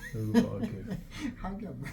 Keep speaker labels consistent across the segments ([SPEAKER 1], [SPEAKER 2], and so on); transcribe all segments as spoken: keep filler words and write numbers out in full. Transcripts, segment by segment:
[SPEAKER 1] 여기 봐 이렇게.
[SPEAKER 2] 하기야 뭐.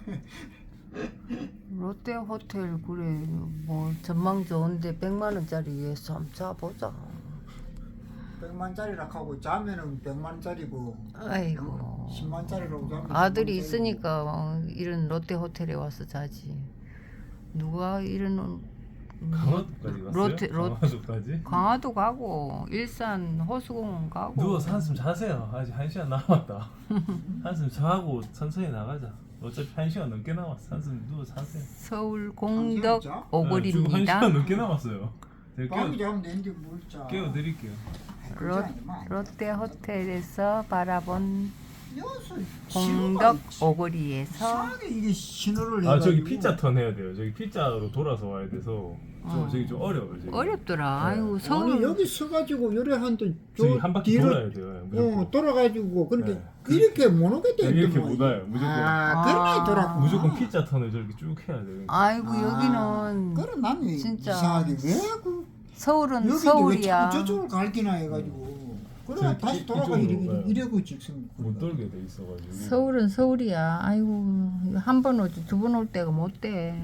[SPEAKER 3] 롯데 호텔 그래 뭐 전망 좋은데 백만 원짜리에서 한번 자보자.
[SPEAKER 2] 백만짜리라 하고 자면은 백만짜리고.
[SPEAKER 3] 아이고.
[SPEAKER 2] 십만짜리라고 자면
[SPEAKER 3] 아들이
[SPEAKER 2] 십만짜리고.
[SPEAKER 3] 있으니까 어, 이런 롯데 호텔에 와서 자지. 누가 이런
[SPEAKER 1] 강화도까지 갔어요?
[SPEAKER 3] 롯데- 롯-
[SPEAKER 1] 강화도까지?
[SPEAKER 3] 강화도 가고 일산 호수공원 가고.
[SPEAKER 1] 누워서 한숨 자세요. 아직 한 시간 남았다. 한숨 자고 천천히 나가자. 어차피 한 시간 넘게 남았어. 한숨 누워 자세요.
[SPEAKER 3] 서울 공덕
[SPEAKER 2] 자?
[SPEAKER 1] 네, 지금 한
[SPEAKER 3] 오거리입니다.
[SPEAKER 1] 시간 넘게 남았어요. 제가
[SPEAKER 2] 밤이
[SPEAKER 1] 깨워,
[SPEAKER 2] 자면 되는데 뭘 자.
[SPEAKER 1] 깨워드릴게요.
[SPEAKER 3] 롯, 롯데 호텔에서 바라본
[SPEAKER 2] 여수
[SPEAKER 3] 공덕
[SPEAKER 2] 신호가
[SPEAKER 3] 오거리에서
[SPEAKER 2] 이상하게 이게 신호를
[SPEAKER 1] 아 저기
[SPEAKER 2] 해가지고.
[SPEAKER 1] 피자 턴 해야 돼요. 저기 피자로 돌아서 와야 돼서 좀
[SPEAKER 3] 어.
[SPEAKER 1] 저기 좀 어려워요. 저기.
[SPEAKER 3] 어렵더라.
[SPEAKER 1] 네.
[SPEAKER 3] 아이고
[SPEAKER 2] 아니
[SPEAKER 3] 서울
[SPEAKER 2] 여기 서가지고 요래 한또
[SPEAKER 1] 저기 한 바퀴 돌아야 돼요. 무조건.
[SPEAKER 2] 어 돌아가지고 그렇게
[SPEAKER 1] 네.
[SPEAKER 2] 이렇게 못 오겠다.
[SPEAKER 1] 여기 이렇게 못 와요. 무조건.
[SPEAKER 2] 아 그러네 돌아.
[SPEAKER 1] 무조건 피자 턴을 저렇게 쭉 해야 돼요.
[SPEAKER 3] 아이고
[SPEAKER 2] 아,
[SPEAKER 3] 여기는
[SPEAKER 2] 그럼 남이
[SPEAKER 3] 진짜
[SPEAKER 2] 이상하게 왜그
[SPEAKER 3] 서울은
[SPEAKER 2] 여기 왜
[SPEAKER 3] 서울이야.
[SPEAKER 2] 자꾸 저쪽을 갈기나 해가지고 그래
[SPEAKER 1] 저기
[SPEAKER 2] 다시
[SPEAKER 1] 이-
[SPEAKER 2] 돌아가
[SPEAKER 1] 이쪽으로
[SPEAKER 2] 이래
[SPEAKER 1] 가요.
[SPEAKER 2] 이래고 직선
[SPEAKER 1] 못 돌게 돼 있어가지고.
[SPEAKER 3] 서울은 서울이야. 아이고 한 번 오지 두 번 올 때가 못 돼.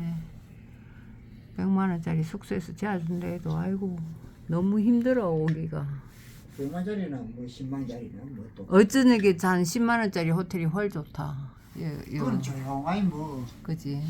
[SPEAKER 3] 백만 원짜리 숙소에서 자준다 해도 아이고 너무 힘들어 오기가.
[SPEAKER 2] 백만짜리나 뭐 십만짜리나 뭐또
[SPEAKER 3] 어쩌게 한 십만 원짜리 호텔이 훨 좋다. 예, 예.
[SPEAKER 2] 그건 조용하니 뭐
[SPEAKER 3] 그지.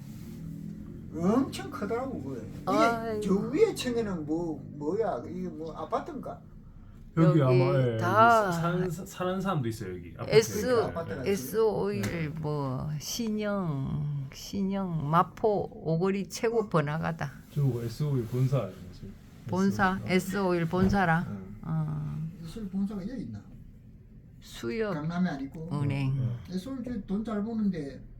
[SPEAKER 2] 엄청 크더라고 그게.
[SPEAKER 3] 아이고.
[SPEAKER 2] 이게 저 위에 층에는 뭐 뭐야 이게 뭐 아파트인가?
[SPEAKER 1] 여기,
[SPEAKER 3] 여기
[SPEAKER 1] 아마 예,
[SPEAKER 3] 다
[SPEAKER 1] 여기 사는, 사는 사람도 있어요 여기. 아파트에.
[SPEAKER 3] S
[SPEAKER 2] 아파트가
[SPEAKER 3] S 오일 뭐 신영 신영 마포 오거리 최고 번화가다.
[SPEAKER 1] 저거 에스오일 본사 지금.
[SPEAKER 3] 본사 S 오일 본사라.
[SPEAKER 1] 응.
[SPEAKER 3] 어,
[SPEAKER 2] 술 본사가 여기 있나?
[SPEAKER 3] 수협
[SPEAKER 2] 강남에 아니고.
[SPEAKER 3] 은행.
[SPEAKER 1] 네.
[SPEAKER 2] 술돈 잘 버는데